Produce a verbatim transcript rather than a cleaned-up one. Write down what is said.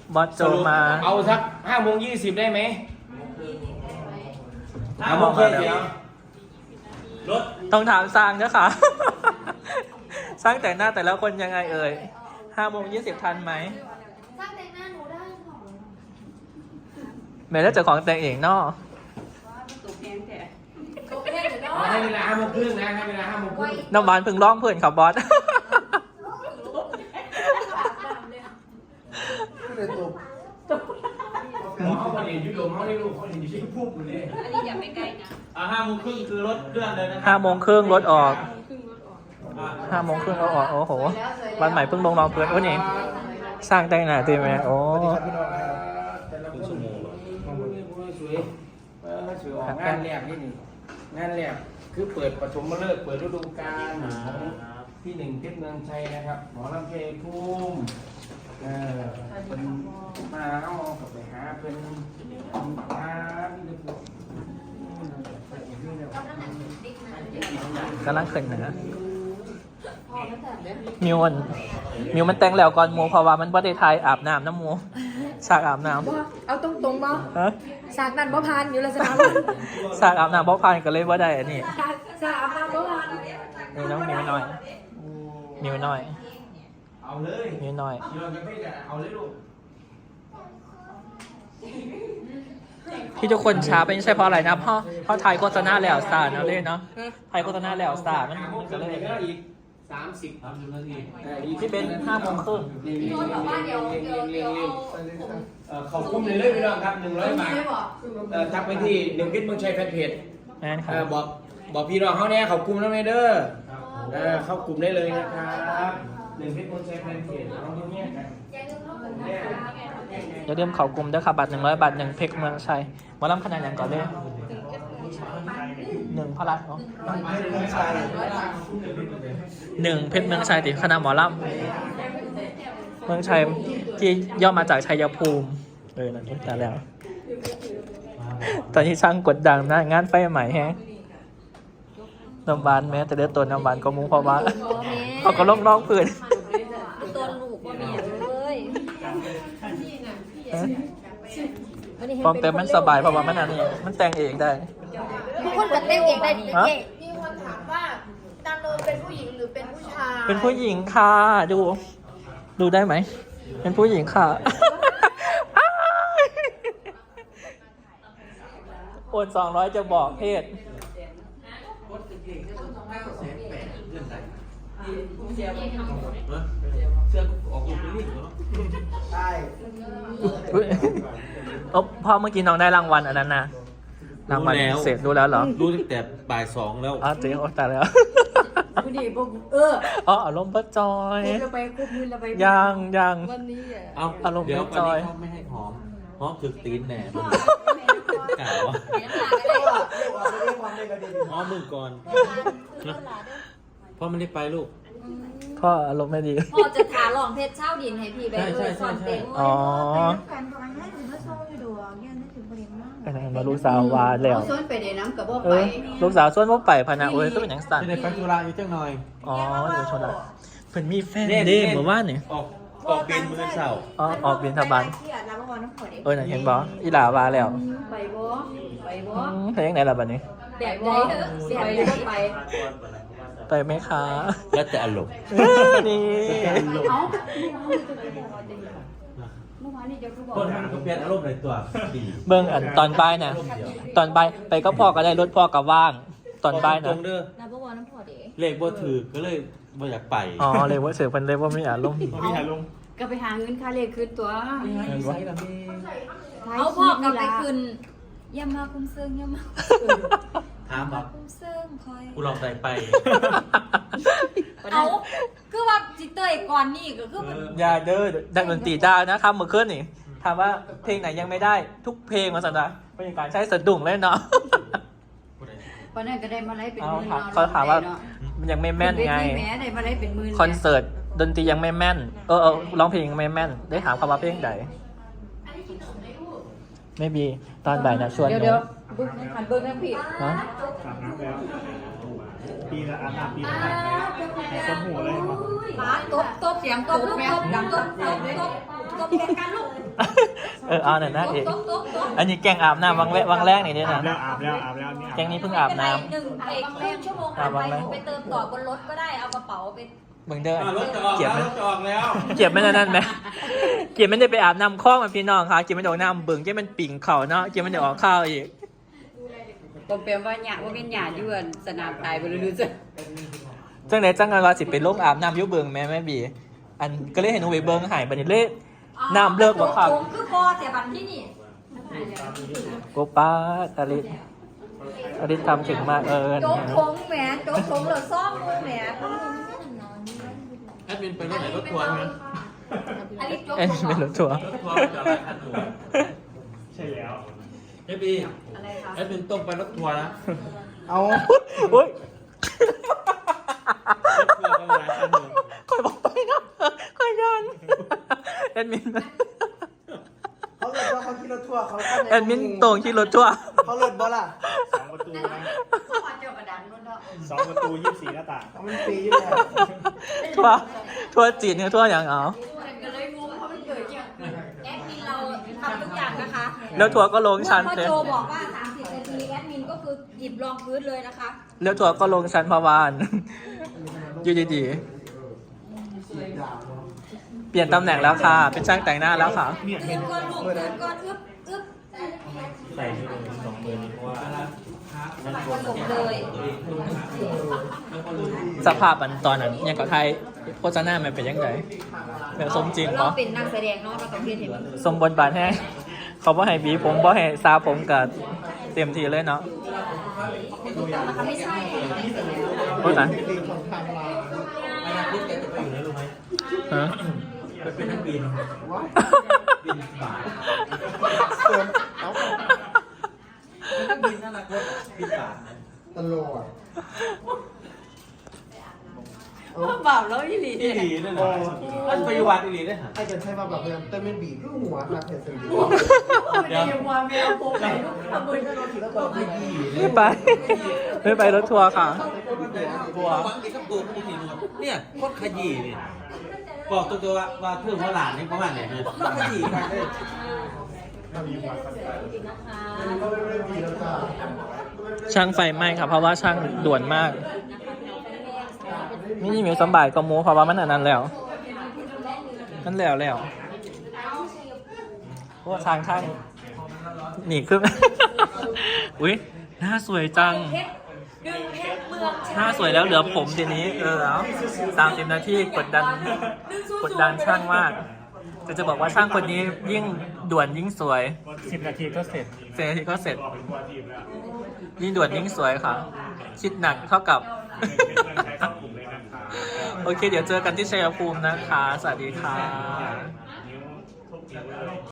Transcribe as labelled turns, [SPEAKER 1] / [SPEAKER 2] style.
[SPEAKER 1] บอสโจมา
[SPEAKER 2] เอาสักห้าโมงยี่สิบได้ไหมห้าโมงครึ่งเดี๋ยวรถ
[SPEAKER 1] ต้องถามสร้างนะค่ะ สร้างแต่งหน้าแต่ละคนยังไงเอ่ยห้าโมงยี่สิบทันไหม
[SPEAKER 3] สร้างแต่งหน้าหนูได้หรอ
[SPEAKER 1] แม่ได้เจอของแต่งเองเนาะ
[SPEAKER 2] ให้เวลาห้าโมงครึ่งนะให้เวลาห้าโมงครึ่ง
[SPEAKER 1] น้ำหวานพึ่งร้องเพื่อนขับบอส
[SPEAKER 2] เขาเรียนยุโรปเขาเรียนลูกเขาเรียนอยู่ที่พุ่งอยู่เลย
[SPEAKER 4] อันนี้อย่าไปไกลนะ
[SPEAKER 2] อ่าห้าโมงครึ่งคือรถเครื่องเลยนะ
[SPEAKER 1] ห้าโมงครึ่งรถออกห้าโมงครึ่งรถออกโอ้โหวันใหม่เพิ่งลงรองเพื่อนโอ้นี่สร้างแต่งหน้าตีไหมโอ้
[SPEAKER 2] ชั่วโมงสวยสวยออกงานแรกนี่นี่งานแรกคือเปิดปฐมฤกษ์เปิดฤดูกาลที่หนึ่งเพชรเมืองชัยนะครับหมอลำเพลงภูมิเออเป็นมาเอาไปหาเป็นหาที่เด็ก
[SPEAKER 1] กำลังขึ้นนะมิวมันมิวมันแต่งแล้วก่อนมูเพราะว่ามันบ่ได้ทายอาบน้ำน้ำมูฉากอาบน้
[SPEAKER 3] ำเอาตรงตรงบ่ฉากนั้นบ่พานอยู่แล้วสนาม
[SPEAKER 1] ฉากอาบน้ำบ่พานก็เลยบ่ได้อันนี้
[SPEAKER 3] ฉากอาบน้ำบ่พาน
[SPEAKER 1] นี่น้องมิวหน่อยมิวหน่อย
[SPEAKER 2] เอาเลย
[SPEAKER 1] มิวหน่อย
[SPEAKER 2] เอาเลยลูก
[SPEAKER 1] ที่ทุกคนช้าเป็นใช่เพราะอะไรนะเพราะเพราะไทยโฆษณาแล้วสาเนาะเล่นเนาะไทยโฆษณาแล้วสามันมันก็เลย
[SPEAKER 2] อีกสามสิบสามสิบนาที
[SPEAKER 1] ที่เป็นห้าโมงครึ่ง
[SPEAKER 3] พี่โน้ตบอกว่าเดี๋ยวเดี๋ยวเดี๋ยว
[SPEAKER 2] เขาคุ้มเลยเลยพี่น้องครับหนึ่งร้อยบาททักไปที่หนึ่งพิษเมืองชัยแฟนเพจ
[SPEAKER 1] แม่นครับ
[SPEAKER 2] บอกบอกพี่น้องเขาเนี่ยเขาคุ้มแล้วไหมเด้อเข้ากลุ่มได้เลยนะครับหนึ่งพิษเมืองชัยแฟนเพจน้องเนี่ยกัน
[SPEAKER 1] อย่าลืมเขากลุ่มด้วยค่ะบัตรหนึ่งร้อยบาทหนึ่งเพกเมืองชัยมาล้ำขนาดอย่างก่อนเลยหนึ่งพลัดเนาะหนึ่งเพชรเมืองชัยติดคณะหมอลำเมืองชัยที่ย่อมาจากชัยภูมิเลยนั่นเองแต่แล้วตอนนี้ช่างกดดังนะงานไฟใหม่แฮะน้ำบานแม้แต่เลือดตัวน้ำบานก็มุ้งเพราะว่าเขาก็ล่องล่องพื้น
[SPEAKER 4] ตัวลูกว่ามีเลย
[SPEAKER 1] ฟอมเต็มมันสบายเพราะว่ามันอันนี้มันแต่งเองได้
[SPEAKER 3] ทุกคนจะแต่งเองได้ดีมีคนถามว่าตาโนเป็นผู้หญิงหรือเป็นผู้ชาย
[SPEAKER 1] เป็นผู้หญิงค่ะดูดูได้ไหมเป็นผู้หญิงค่ะโอนสองร้อยจะบอกเพศ
[SPEAKER 2] เสื้อออกลูกนี่เหรอใช่
[SPEAKER 1] โอ้พ่อเมื่อกี้น้องได้รางวัลอันนั้นนะรางวัลเสร็จรู้แล้วเหรอ
[SPEAKER 2] รู้ตั้งแต่บ่ายสองแล้ว
[SPEAKER 1] อ๋อเจ๊โอ้ตายแล้ว
[SPEAKER 3] คุณดีบอกเออ
[SPEAKER 1] อ๋ออารมณ์ป้าจอย
[SPEAKER 3] เราไปคุบมือเราไป
[SPEAKER 1] ยังยัง
[SPEAKER 3] วันนี้
[SPEAKER 2] เอาอารมณ์ป้าจอยเขาไม่ให้หอมหอมถึกตีนแหน่กล่าวว่าหอมมึงก่อนพ่อไม่ได้ไปลูก
[SPEAKER 1] พ่ออารมณ์ไม่ดี
[SPEAKER 4] พ่อจะถาลองเพชรเช่าดินให้พี่แบบเออสอนเต็ม
[SPEAKER 1] อ๋อมาลูกสาววาแล้ว
[SPEAKER 3] ส่วนไปเดี๋ยวน้ำกับบ่ไป
[SPEAKER 1] ลูกสาวส่วนบ่ไปพนะโอ้ยก็เป็นอย่างสั่น
[SPEAKER 2] ในฟังตุลาอยู่เจ้าหน่อย
[SPEAKER 1] อ๋ออยู่ชนละเพิ่นมีแฟนเด้เมื่อวานนี่
[SPEAKER 2] ออกออกเป็นมือเสา
[SPEAKER 1] อ๋อออกเป็นทบานเออเห็นบ่อีหลาวาแล้ว
[SPEAKER 3] ไปบ่ไปบ่
[SPEAKER 1] ไปยังไหนล่ะบัดนี้
[SPEAKER 3] แบบใดแบบใดบ่ไป
[SPEAKER 1] ไปไหมคะ
[SPEAKER 2] แล้วแต่อารมณ์
[SPEAKER 1] นี่
[SPEAKER 2] คนมันก็เปลี่ยนอารมณ์ในตัว
[SPEAKER 1] เบิ่งอันตอนบ่ายน่ะตอนบ่ายไปก็พ่อก็ได้รถพ่อก็ว่างตอนบ่ายนะ
[SPEAKER 2] เลขบ่ถือก็เลยบ่อยากไป
[SPEAKER 1] อ๋อเลขบ่ถือเพิ่นเลยบ่มีอารมณ์
[SPEAKER 2] บ่มีอารมณ์
[SPEAKER 3] ก็ไปหาเงินค่าเลขคืนตัว
[SPEAKER 4] เอาพ่อกลับไปคืนอย่ามาคุ้มเซิงอย่ามา
[SPEAKER 2] ถามแบบ
[SPEAKER 4] คุ้มเซิงคอย
[SPEAKER 2] กูลองใจไป
[SPEAKER 4] เอาคือว่าจิตเตยก่อนนี่ก็คือ
[SPEAKER 1] อย่าเด้อดังดนตรีได้นะครับเมื่อคืนนี่ถามว่าเพลงไหนยังไม่ได้ทุกเพลงมาสันนะเป็นการใช้สะดุ้งเลยเนาะ
[SPEAKER 3] เพราะนั่นก็ได้มาไล่เป็นหมื่น
[SPEAKER 1] เขาถามว่ามันยังไม่แม่นไงคอนเสิร์ตดนตรียังไม่แม่นเออเออร้องเพลงยังไม่แม่นได้ถามคำว่าเพลงใดไม่มีตอนบ่ายนะชวน
[SPEAKER 3] เดี๋ยวเดี๋ยวบึ้งขันบึ้งนะพี่
[SPEAKER 1] ฮะ
[SPEAKER 5] ปีละอาบน้ำปีละอาบต้นหูเลยมั้ง
[SPEAKER 4] ตบตบเสียงตบลูกตบดังตบตบตบตบแข่งกันลูก
[SPEAKER 1] เออเอาหน่อยนะเอก
[SPEAKER 4] โต๊ะโต๊ะโต๊ะ
[SPEAKER 1] อันนี้แกงอาบน้ำวังแววังแรกนี่ด้วย
[SPEAKER 5] อาบ
[SPEAKER 1] นะ
[SPEAKER 5] แล้วอาบแล้วอาบแล้วนี่อาบ
[SPEAKER 1] แกงนี้เพิ่งอาบน้
[SPEAKER 4] หนึ่งเอกครึ่งชั่วโมงผ่านไปหนูไปเติมต่อบนรถก็ได้เอากระเป๋าไป
[SPEAKER 1] ำเบิ่งเด้อ
[SPEAKER 2] อ่ารถจะออก
[SPEAKER 1] เก็บ
[SPEAKER 2] แล้ว
[SPEAKER 1] ไหม
[SPEAKER 2] รถจะออกแล้ว
[SPEAKER 1] เก็บไม่ได้นั่นไหมเก็บไม่ได้ไปอาบน้ำคล้องมันพี่น้องค่ะเก็บไม่ได้ออกน้ำเบิ่งเก็บมันปิ่งเข่าเนาะเก็บไม่ได้ออกข้าวอีก
[SPEAKER 6] บ่แปลว่าหยาว่าเป็นหยาอยู่อันสนามตายบ่รู้จัก
[SPEAKER 1] จังไหนจังกันว่าสิเป็นลงอาบน้ำอยุเบิ่งแม่แม่บีอันก็เลยเห็นหนูไปเบิ่งหายบัดนี้เลยน้ำเลิกบ่ครับ
[SPEAKER 4] ผมคือพอเสียบันที่นี่
[SPEAKER 1] โกป้าอลิสอลิสทำถึงมากเออ
[SPEAKER 4] โจ๊กผงแหมโจ๊กผงเหลือซ่อมมือแหม
[SPEAKER 2] แอดมินไปรถไหนรถทัวร์ไหม
[SPEAKER 4] อันนี้โจ๊ก
[SPEAKER 1] เอ็น
[SPEAKER 4] ผง
[SPEAKER 1] เป็นรถทัวร์
[SPEAKER 2] รถทัวร์จะอะไรคันหนู
[SPEAKER 5] ใช่แล้ว
[SPEAKER 2] เอฟบี
[SPEAKER 4] อะไรคะ
[SPEAKER 2] แอดมินต้องไปรถทัวร์นะ
[SPEAKER 5] เอา
[SPEAKER 1] อุ้ย
[SPEAKER 5] รถทัวร์ก็หลายคันอยู่
[SPEAKER 1] คอยบอกไปนะคอยยันแอดมิน
[SPEAKER 7] เขาเลิศว่าเขาขี่รถทัวร์เขาเข้าใจ
[SPEAKER 1] แอดมินตรงที่รถทัวร์
[SPEAKER 7] เขาเลิศบ่ล่ะ
[SPEAKER 5] สองประตูนะ
[SPEAKER 4] ขอเจอกระดานรถเนาะ
[SPEAKER 5] สองประตูยี่สิบสี่หน้าต่าง
[SPEAKER 7] เขามันฟรีอยู่แล้ว
[SPEAKER 1] ทัวร์ทัวร์จีนเนี่ยทัวร์อย่างเอา
[SPEAKER 4] ก็เลยงงเพราะมันเกิดอย่างแอดมินเราทำทุกอย่างนะคะ
[SPEAKER 1] แล้วทัวร์ก็ลงชั้น
[SPEAKER 4] พ่อ
[SPEAKER 1] เลย
[SPEAKER 4] โจบอกว่าสามสิบนาทีแอดมินก็คือหยิบรองพื้นเลยนะคะ
[SPEAKER 1] แล้วทัวร์ก็ลงชั้นพาวานอยู่ดีๆเปลี่ยนตำแหน่งแล้วค่ะ เป็นช่างแต่งหน้าแล้วค่ะ
[SPEAKER 5] เนี่ย
[SPEAKER 4] เตื
[SPEAKER 5] เห็
[SPEAKER 4] อน นก่อนลูกเตือนก่อนอึ๊บอึ๊บ
[SPEAKER 5] ใส่ที่เลยสองเบอร์นี้เพราะว่า
[SPEAKER 4] ผสมเลย
[SPEAKER 1] สภาพมันตอนนั้นยังกับไทยโฆษณามันเป็นยังไงแบบสมจริง
[SPEAKER 4] เรา
[SPEAKER 1] เนาะ
[SPEAKER 4] เป็นนักแสดงเนาะเราต้องเรียนเห็นมัน
[SPEAKER 1] สมบทบาทให้เขาบ่ให้บีผมบ่ให้ซาผมกับเต็มทีเลยเนาะ
[SPEAKER 4] นะคะไม่ใช่
[SPEAKER 1] โอ้ยตาย
[SPEAKER 2] อนาคตแกจะไปอยู่ไหนรู้ไหม
[SPEAKER 1] ฮะ
[SPEAKER 2] ไปเป็นนักบินบินบ่าย
[SPEAKER 7] เติมเอา
[SPEAKER 2] เป็นนักบินอนาคตบินบ่าย
[SPEAKER 7] ตลอด
[SPEAKER 6] บ่าวแล้วอีหลี
[SPEAKER 2] อีหลีนั่นน่ะมันไปอยู่วัดอีหลีได้หรอ
[SPEAKER 7] ให้กันใช้มาแบบเดิมแต่ไม่บีบลูกหัวหนักเห็นสิ
[SPEAKER 2] เดี๋ยว
[SPEAKER 1] ไม่ไปไม่ไปรถทัวร์ค่ะ
[SPEAKER 2] ทัวร์วังดีกับตัวพี่ทีนึงเนี่ยโคตรขยี้นี่บอกตัวตัวว่าว่าเพื่อนเขาหลานนี่ประมาณไหนเนี่ยขยี้กันเลย
[SPEAKER 1] ช่างไฟไหม้ค่ะเพราะว่าช่างด่วนมากนี่มีสมบัติก็มูเพราะว่ามันอันนั้นแล้วนั่นแล้วแล้วเพราะว่าทางช่างหนีขึ้น อุ้ยหน้าสวยจัง
[SPEAKER 4] ดึงเพชรเมือง
[SPEAKER 1] หน้าสวยแล้วเหลือผมทีนี้เออแล้วสามสิบนาทีกดดันกดดันช่างมากแต่จะบอกว่าช่างคนนี้ยิ่งด่วนยิ่งสวย
[SPEAKER 5] สิบนาทีก็เสร็จ
[SPEAKER 1] เสร็จนาทีก็เสร็จ
[SPEAKER 5] บอกเป็นตัวทีมแล้ว
[SPEAKER 1] ยิ่งด่วนยิ่งสวยค่ะ คิดหนักเท่ากับ
[SPEAKER 5] เป็นเพื่อนใช้สังคมเลยนะคะ
[SPEAKER 1] โอเค เดี๋ยวเจอกันที่ชัยภูมินะคะ สวัสดีค่ะ
[SPEAKER 5] นิ้วทุกนิ้วเลย